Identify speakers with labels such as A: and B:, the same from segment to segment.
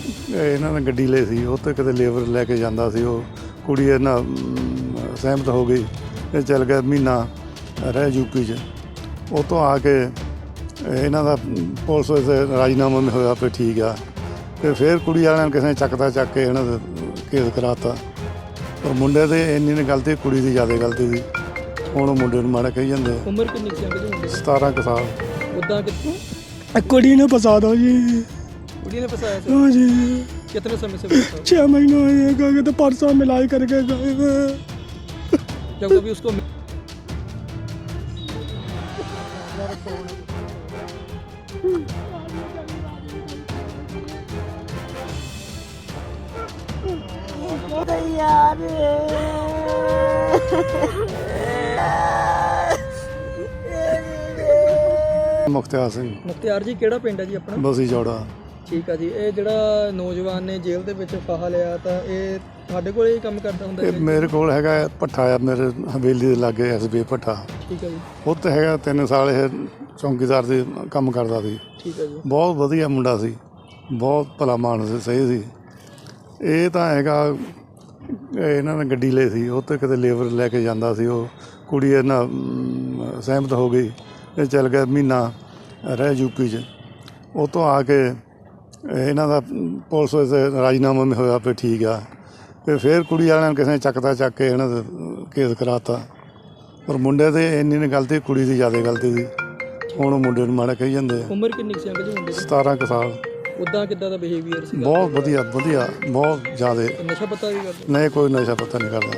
A: ਇਹਨਾਂ ਨੇ ਗੱਡੀ ਲਈ ਸੀ, ਉਹ 'ਤੇ ਕਿਤੇ ਲੇਬਰ ਲੈ ਕੇ ਜਾਂਦਾ ਸੀ। ਉਹ ਕੁੜੀ ਇਹਨਾਂ ਸਹਿਮਤ ਹੋ ਗਈ ਤੇ ਚੱਲ ਗਿਆ, ਮਹੀਨਾ ਰਹਿ ਯੂਪੀ 'ਚ। ਉਹ ਤੋਂ ਆ ਕੇ ਇਹਨਾਂ ਦਾ ਪੁਲਿਸ ਵਿੱਚ ਰਾਜੀਨਾਮਾ ਵੀ ਹੋਇਆ ਵੀ ਠੀਕ ਆ। ਤੇ ਫਿਰ ਕੁੜੀ ਵਾਲਿਆਂ ਨੇ ਕਿਸੇ ਨੇ ਚੱਕ ਕੇ ਇਹਨਾਂ ਦਾ ਕੇਸ ਕਰਾਤਾ। ਪਰ ਮੁੰਡੇ ਦੇ ਇੰਨੀ ਨੇ ਗਲਤੀ, ਕੁੜੀ ਦੀ ਜ਼ਿਆਦਾ ਗਲਤੀ ਸੀ। ਹੁਣ ਉਹ ਮੁੰਡੇ ਨੂੰ ਮਾੜਾ ਕਹੀ ਜਾਂਦੇ ਆ।
B: ਉਮਰ ਕਿੰਨੀ ਸੀ ਅੰਕਲ ਜੀ?
A: 17 ਕੁ ਸਾਲ।
B: उदा कितने?
C: कुड़ी ने फंसा दो जी।
B: कुड़ी ने फंसाया था?
C: हाँ जी।
B: कितने समय से फंसा?
C: 6 महीने हुए गए तो परसों मिलाई करके गए।
B: जब कभी उसको
A: ਮੁਖਤਿਆਰ ਸਿੰਘ।
B: ਮੁਖਤਿਆਰ ਜੀ ਕਿਹੜਾ ਪਿੰਡ ਹੈ ਜੀ ਆਪਣਾ?
A: ਬਸੀ ਚੌੜਾ।
B: ਠੀਕ ਆ ਜੀ। ਇਹ ਜਿਹੜਾ ਨੌਜਵਾਨ ਨੇ ਜੇਲ੍ਹ ਦੇ ਵਿੱਚ ਫਾਹਾ ਲਿਆ, ਤਾਂ ਇਹ ਤੁਹਾਡੇ ਕੋਲ ਹੀ ਕੰਮ ਕਰਦਾ ਹੁੰਦਾ?
A: ਇਹ ਮੇਰੇ ਕੋਲ ਹੈਗਾ ਭੱਠਾ ਆ, ਮੇਰੇ ਹਵੇਲੀ ਦੇ ਲਾਗੇ ਐਸਬੀ ਭੱਠਾ।
B: ਠੀਕ ਆ ਜੀ।
A: ਉੱਥੇ ਹੈਗਾ 3 ਸਾਲ ਇਹ ਚੌਂਕੀਦਾਰ ਦੇ ਕੰਮ ਕਰਦਾ ਸੀ।
B: ਠੀਕ ਆ ਜੀ।
A: ਬਹੁਤ ਵਧੀਆ ਮੁੰਡਾ ਸੀ, ਬਹੁਤ ਭਲਾ ਮਾਨਸ ਸੀ, ਸਹੀ ਸੀ। ਇਹ ਤਾਂ ਹੈਗਾ ਇਹਨਾਂ ਨੇ ਗੱਡੀ ਲਈ ਸੀ, ਉਹ 'ਤੇ ਕਿਤੇ ਲੇਬਰ ਲੈ ਕੇ ਜਾਂਦਾ ਸੀ। ਉਹ ਕੁੜੀ ਇਹਨਾਂ ਸਹਿਮਤ ਹੋ ਗਈ ਤੇ ਚੱਲ ਗਿਆ, ਮਹੀਨਾ ਰਹਿ ਯੂਪੀ 'ਚ। ਉਹ ਤੋਂ ਆ ਕੇ ਇਹਨਾਂ ਦਾ ਪੁਲਿਸ ਵਿੱਚ ਰਾਜੀਨਾਮਾ ਵੀ ਹੋਇਆ ਵੀ ਠੀਕ ਆ। ਤੇ ਫਿਰ ਕੁੜੀ ਵਾਲਿਆਂ ਨੇ ਕਿਸੇ ਨੇ ਚੱਕ ਕੇ ਇਹਨਾਂ ਦਾ ਕੇਸ ਕਰਾਤਾ। ਪਰ ਮੁੰਡੇ ਦੇ ਇੰਨੀ ਨੇ ਗਲਤੀ, ਕੁੜੀ ਦੀ ਜ਼ਿਆਦਾ ਗਲਤੀ ਸੀ। ਹੁਣ ਉਹ ਮੁੰਡੇ ਨੂੰ ਮਾੜਾ ਕਹੀ ਜਾਂਦੇ ਆ।
B: ਉਮਰ ਕਿੰਨੀ ਸੀ ਅੰਕਲ ਜੀ ਮੁੰਡੇ ਦੀ?
A: 17 ਕੁ ਸਾਲ।
B: ਉਦਾਂ ਕਿੱਦਾਂ ਦਾ ਬਿਹੇਵੀਅਰ ਸੀ?
A: ਬਹੁਤ ਵਧੀਆ, ਬਹੁਤ ਜ਼ਿਆਦਾ।
B: नशा पता भी करते?
A: नहीं, कोई नशा पता नहीं करता।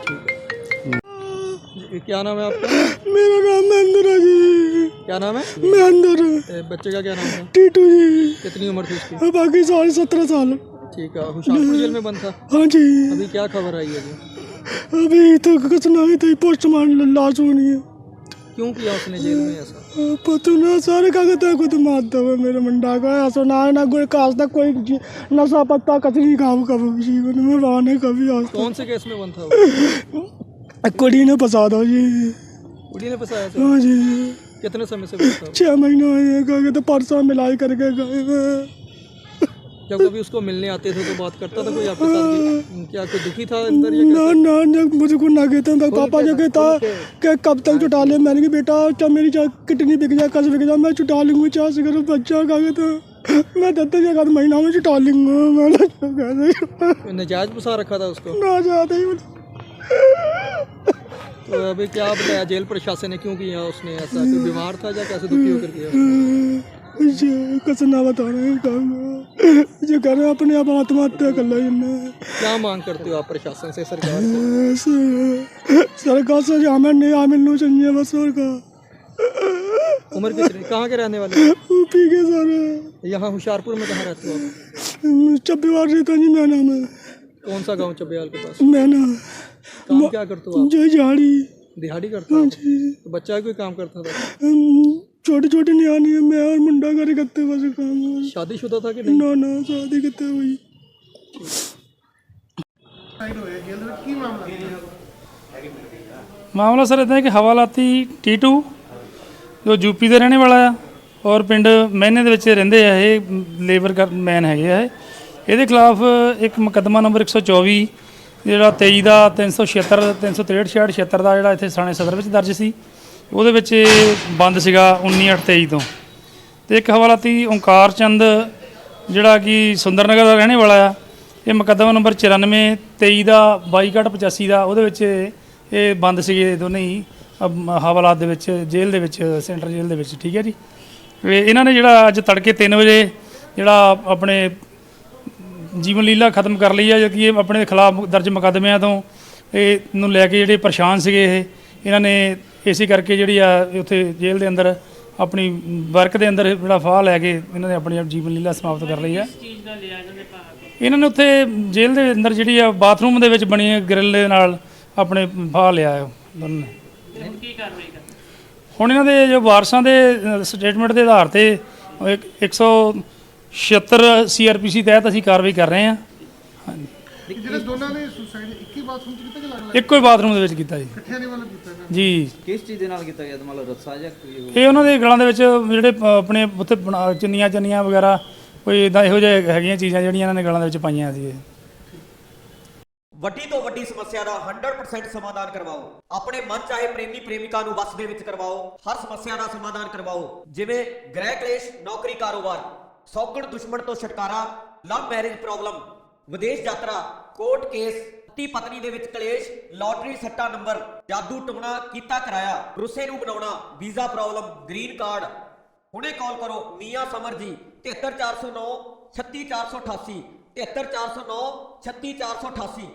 B: क्या नाम है आपका?
C: मेरा नाम महेंद्र है जी।
B: क्या नाम है?
C: महेंद्र।
B: बच्चे का क्या नाम था?
C: टीटू जी।
B: कितनी उम्र थी उसकी?
C: बाकी साल 17 साल।
B: ठीक है। हुशियारपुर जेल में बंद था?
C: हाँ जी।
B: अभी क्या खबर आई है जी?
C: अभी तो कुछ नहीं, तो पोस्टमार्टम लाश होनी है।
B: क्यों किया उसने जेल में ऐसा?
C: पता ना सारे कागज खुद मारता हुआ मेरे मुंडा का। ऐसा ना कोई काज तक कोई नशा पत्ता कच नहीं खाओ कभी जीवन में वाने कभी।
B: कौन से केस में बंद था वो?
C: कुड़ी ने फंसा दो जी।
B: कुड़ी ने फंसाया था?
C: हाँ जी।
B: कितने समय से बंद था?
C: 6 महीने हुए गए तो परसों मिलाई करके गए।
B: जब कभी उसको मिलने आते थे तो बात करता था कोई आपके साथ? क्या कोई दुखी था अंदर या क्या?
C: ना मुझको ना कहते हैं पापा जो कहता कि कब तक छुटा ले। मैंने कहा बेटा चाहे मेरी किडनी बिक जाए, कस बिक जाए, मैं छुटा लूँगा। 4 से करो बच्चा का कहता मैं 10 महीना में छुटा लूँगा। मैंने
B: नजायज फंसा रखा था उसको?
C: ना जाते ही।
B: तो अभी क्या बताया जेल प्रशासन ने, क्यों किया उसने ऐसा? कोई बीमार था या कैसे दुखी होकर किया? कुछ ना बता रहे जो कर रहे अपने आप आत्महत्या कर लो। क्या मांग करते हो आप प्रशासन से, सरकार से?
C: सरकार से हमें नहीं मिलना चाहिए बस। सरकार।
B: उम्र कितनी? कहाँ के रहने वाले?
C: यूपी के सारे।
B: यहाँ होशियारपुर में कहाँ रहते हो आप?
C: चब्बीवार रहता जी मैना में।
B: कौन सा गांव चब्बियाल के पास?
C: मैना।
B: काम क्या करते हो आप?
C: जो झाड़ी।
B: दिहाड़ी करते हो? तो बच्चा कोई काम करता था?
C: छोटे छोटे नियानी है, मैं और मुंडा करे करते बस काम।
B: शादीशुदा था कि नहीं?
C: ना शादी करते हुई।
D: ਮਾਮਲਾ ਸਰ ਇੱਦਾਂ ਹੈ ਕਿ ਹਵਾਲਾਤੀ ਟੀਟੂ ਜੋ ਯੂਪੀ ਦੇ ਰਹਿਣੇ ਵਾਲਾ ਆ ਔਰ ਪਿੰਡ ਮਹਿਨੇ ਦੇ ਵਿੱਚ ਰਹਿੰਦੇ ਆ। ਇਹ ਲੇਬਰ ਮੈਨ ਹੈਗੇ ਆ। ਇਹਦੇ ਖਿਲਾਫ ਇੱਕ ਮੁਕੱਦਮਾ ਨੰਬਰ 124 ਜਿਹੜਾ 23 ਦਾ 376 363 66 ਦਾ ਜਿਹੜਾ ਇੱਥੇ ਥਾਣੇ ਸਦਰ ਵਿੱਚ ਦਰਜ ਸੀ। ਉਹਦੇ ਵਿੱਚ ਬੰਦ ਸੀਗਾ 19/8/23 ਤੋਂ। ਅਤੇ ਇੱਕ ਹਵਾਲਾਤੀ ਓਂਕਾਰ ਚੰਦ ਜਿਹੜਾ ਕਿ ਸੁੰਦਰ ਨਗਰ ਦਾ ਰਹਿਣੇ ਵਾਲਾ ਆ। ਇਹ ਮੁਕੱਦਮਾ ਨੰਬਰ 94 23 ਦਾ 22/85 ਦਾ। ਉਹਦੇ ਵਿੱਚ ਇਹ ਬੰਦ ਸੀਗੇ ਦੋਨੇ ਹੀ ਹਵਾਲਾਤ ਦੇ ਵਿੱਚ, ਜੇਲ੍ਹ ਦੇ ਵਿੱਚ, ਸੈਂਟਰ ਜੇਲ੍ਹ ਦੇ ਵਿੱਚ। ਠੀਕ ਹੈ ਜੀ। ਇਹਨਾਂ ਨੇ ਜਿਹੜਾ ਅੱਜ ਤੜਕੇ 3 ਵਜੇ ਜਿਹੜਾ ਆਪਣੇ ਜੀਵਨ ਲੀਲਾ ਖਤਮ ਕਰ ਲਈ ਆ, ਜੋ ਕਿ ਇਹ ਆਪਣੇ ਖਿਲਾਫ ਦਰਜ ਮੁਕੱਦਮਿਆਂ ਤੋਂ ਇਹ ਨੂੰ ਲੈ ਕੇ ਜਿਹੜੇ ਪਰੇਸ਼ਾਨ ਸੀਗੇ। ਇਹਨਾਂ ਨੇ ਇਸੇ ਕਰਕੇ ਜਿਹੜੀ ਆ ਉੱਥੇ ਜੇਲ੍ਹ ਦੇ ਅੰਦਰ ਆਪਣੀ ਵਰਕ ਦੇ ਅੰਦਰ ਜਿਹੜਾ ਫਾਹ ਲੈ ਕੇ ਇਹਨਾਂ ਨੇ ਆਪਣੀ ਜੀਵਨ ਲੀਲਾ ਸਮਾਪਤ ਕਰ ਲਈ ਆ। ਇਹਨਾਂ ਨੇ ਉੱਥੇ ਜੇਲ੍ਹ ਦੇ ਅੰਦਰ ਜਿਹੜੀ ਆ ਬਾਥਰੂਮ ਦੇ ਵਿੱਚ ਬਣੀ ਗ੍ਰਿਲ ਦੇ ਨਾਲ ਆਪਣੇ ਫਾਹ ਲਿਆ ਦੋਨਾਂ ਨੇ। ਹੁਣ ਇਹਨਾਂ ਦੇ ਜੋ ਵਾਰਸਾਂ ਦੇ ਸਟੇਟਮੈਂਟ ਦੇ ਆਧਾਰ ਤੇ 176 CRPC ਤਹਿਤ ਅਸੀਂ ਕਾਰਵਾਈ ਕਰ ਰਹੇ ਹਾਂ। ਹਾਂਜੀ।
E: ਜਿਹੜੇ ਦੋਨਾਂ ਨੇ ਸੁਸਾਈਡ ਇੱਕ ਹੀ ਬਾਥਰੂਮ 'ਚ ਕੀਤਾ ਕਿ ਅਲੱਗ-ਅਲੱਗ?
D: ਇੱਕੋ ਹੀ ਬਾਥਰੂਮ ਦੇ ਵਿੱਚ ਕੀਤਾ ਜੀ।
E: ਇਕੱਠਿਆਂ ਨੇ ਵੱਲੋਂ ਕੀਤਾ ਨਾ
D: ਜੀ।
F: ਕਿਸ ਚੀਜ਼ ਦੇ ਨਾਲ ਕੀਤਾ ਗਿਆ? ਮਤਲਬ ਰੱਸਾ ਜਾਂ
D: ਇਹ ਉਹਨਾਂ ਦੇ ਗਲਾਂ ਦੇ ਵਿੱਚ ਜਿਹੜੇ ਆਪਣੇ ਉੱਥੇ ਚੁੰਨੀਆਂ ਵਗੈਰਾ ਕੋਈ ਇਦਾਂ ਇਹੋ ਜਿਹੇ ਹੈਗੀਆਂ ਚੀਜ਼ਾਂ ਜਿਹੜੀਆਂ ਇਹਨਾਂ ਨੇ ਗਲਾਂ ਦੇ ਵਿੱਚ ਪਾਈਆਂ ਸੀ।
F: ਵੱਡੀ ਤੋਂ ਵੱਡੀ ਸਮੱਸਿਆ ਦਾ 100% ਸਮਾਧਾਨ ਕਰਵਾਓ। ਆਪਣੇ ਮਨ ਚਾਹੇ ਪ੍ਰੇਮੀ ਪ੍ਰੇਮਿਕਾ ਨੂੰ ਵਸ ਦੇ ਵਿੱਚ ਕਰਵਾਓ। ਹਰ ਸਮੱਸਿਆ ਦਾ ਸਮਾਧਾਨ ਕਰਵਾਓ, ਜਿਵੇਂ ਗ੍ਰਹਿ ਕਲੇਸ਼, ਨੌਕਰੀ ਕਾਰੋਬਾਰ, ਸੌਗਣ ਦੁਸ਼ਮਣ ਤੋਂ ਛੁਟਕਾਰਾ, ਲਵ ਮੈਰਿਜ ਪ੍ਰੋਬਲਮ, ਵਿਦੇਸ਼ ਯਾਤਰਾ, ਕੋਰਟ ਕੇਸ, ਪਤੀ ਪਤਨੀ ਦੇ ਵਿੱਚ ਕਲੇਸ਼, ਲਾਟਰੀ ਸੱਟਾ ਨੰਬਰ, ਜਾਦੂ ਟੋਣਾ ਕੀਤਾ ਕਰਾਇਆ, ਰੁੱਸੇ ਨੂੰ ਬਣਾਉਣਾ, ਵੀਜ਼ਾ ਪ੍ਰੋਬਲਮ, ਗ੍ਰੀਨ ਕਾਰਡ। ਹੁਣੇ ਕਾਲ ਕਰੋ ਮੀਆਂ ਸਮਰ ਜੀ 73409 36488 73409 36488।